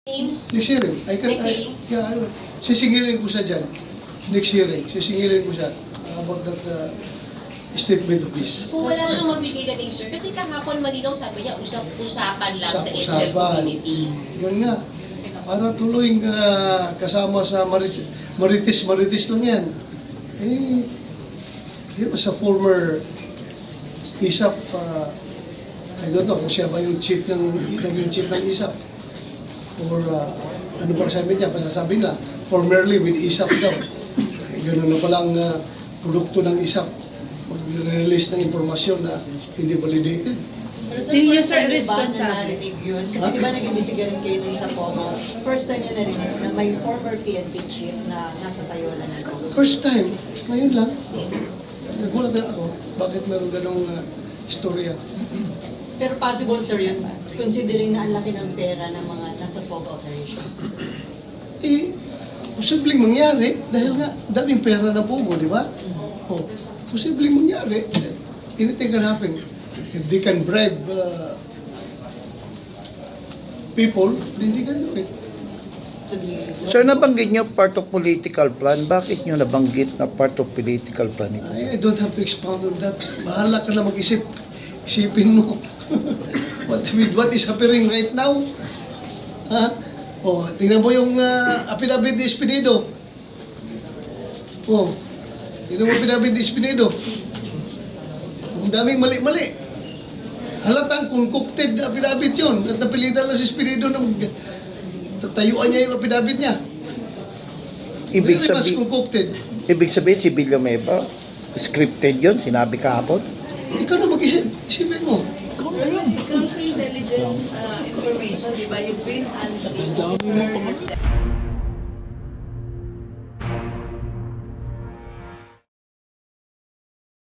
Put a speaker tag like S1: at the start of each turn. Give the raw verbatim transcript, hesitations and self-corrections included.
S1: Names?
S2: Next hearing. I can,
S1: Next hearing?
S2: I, yeah, I, sisingilin ko siya dyan. Next hearing. Sisingilin ko siya uh, about that uh, statement of this.
S1: Kung wala siyang magbigay na name, sir, kasi kahapon malinaw sabi niya, usap-usapan lang sa Intel
S2: Usap-usapan.
S1: community.
S2: Yun nga. Para tuloy uh, kasama sa Marites, Marites, Marites lang yan. Eh, he was a former I S A P, uh, I don't know kung siya ba yung chief ng, naging chief ng I S A P. Or uh, ano ba sabi niya, basta sabi na, formerly with I S A P daw. Eh, ganun na palang uh, produkto ng I S A P. Mag-release ng informasyon na hindi validated.
S3: Pero sir,
S4: Hindi niya,
S3: first
S4: sir,
S3: time niyo ba na
S4: responsable.
S3: narinig yun? Kasi
S2: Huh?
S3: di ba nag-imbestiga rin kayo dun sa Pogo? First time niya narinig na may former P N P chief na nasa Tayola na ito.
S2: First time, ngayon lang, nagulat na ako, bakit meron ganong uh, istorya.
S3: Pero possible sir yun, considering na ang laki ng pera ng mga nasa Pogo operation.
S2: Eh, posibleng mangyari dahil nga daming pera na Pogo, di ba? Oh, posibleng mangyari. Anything can happen. If they can bribe uh, people, hindi can do it.
S3: To be-
S5: Sir, nabanggit niyo part of political plan. Bakit niyo nabanggit na part of political plan ito?
S2: I, I don't have to expound on that. Bahala ka na mag-isip. Isipin mo. what, with what is happening right now? Ha? Oh, tingnan mo yung uh, affidavit ni Espinido. Oh, tingnan mo affidavit ni Espinido. Ang daming mali-mali. Halatang concocted na affidavit yun. At napilitan na si Espinido na mag- tatayuan niya yung affidavit niya.
S5: Ibig
S2: Very much
S5: sabihin,
S2: concocted.
S5: ibig sabihin si Villanueva, scripted yon, sinabi kahapon.
S2: Ikaw na mag-isip. Isipin mo.
S6: It comes to intelligence uh, information, di ba? You've been under